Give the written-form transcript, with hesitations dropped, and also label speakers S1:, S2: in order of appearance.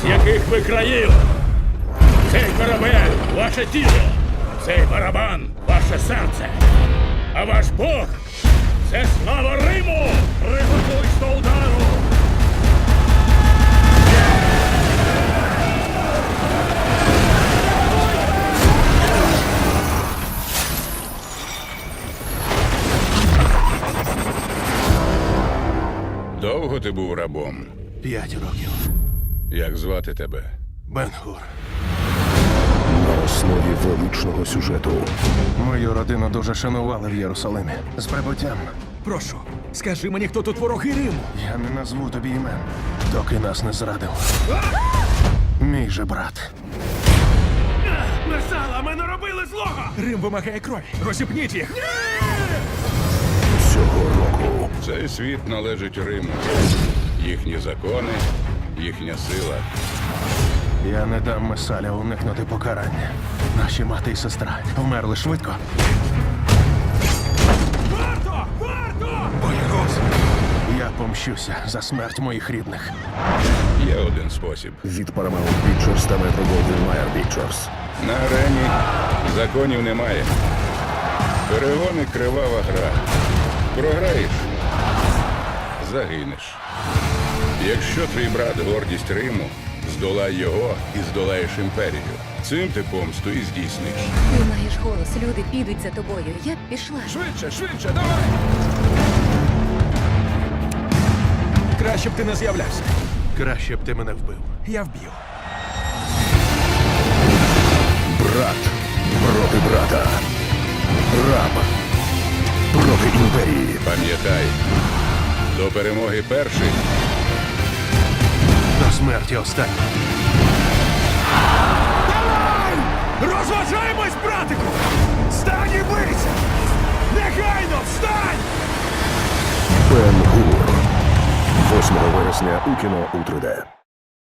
S1: з яких ви країв. Цей корабель – ваше тіло, цей барабан – ваше серце. А ваш Бог – це слава Риму! Приготуйсь до удару!
S2: Довго ти був рабом?
S3: 5 років.
S2: Як звати тебе?
S3: Бен-Гур.
S4: На основі величного сюжету.
S3: Мою родину дуже шанували в Єрусалимі. З прибуттям.
S5: Прошу, скажи мені, хто тут вороги Риму?
S3: Я не назву тобі імен, доки нас не зрадив. Мій же брат.
S5: Месала, ми не робили злого! Рим вимагає крові. Розіпніть їх!
S4: Цього року
S2: Цей світ належить Риму. Їхні закони, їхня сила.
S3: Я не дам Месаля уникнути покарання. Наші мати і сестра вмерли швидко.
S5: Варто! Варто! Боягуз!
S3: Я помщуся за смерть моїх рідних.
S2: Є один спосіб.
S4: від Paramount Pictures та Metro-Goldwyn-Mayer Pictures.
S2: На арені законів немає. Перегони – кривава гра. Програєш – загинеш. Якщо твій брат – гордість Риму, здолай його і здолаєш імперію. Цим ти помсту і здійсниш.
S6: Ти маєш голос, люди підуть за тобою. Я б пішла.
S5: Швидше, швидше, давай! Краще б ти не з'являвся.
S3: Краще б ти мене вбив.
S5: Я вб'ю.
S4: Брат проти брата. Раб проти імперії.
S2: Пам'ятай, до перемоги перший.
S3: До смерті останній.
S5: Розважаємось, братику! Встань і бийся! Негайно, встань!
S4: Бен-Гур. 8 вересня у кіно у 3D.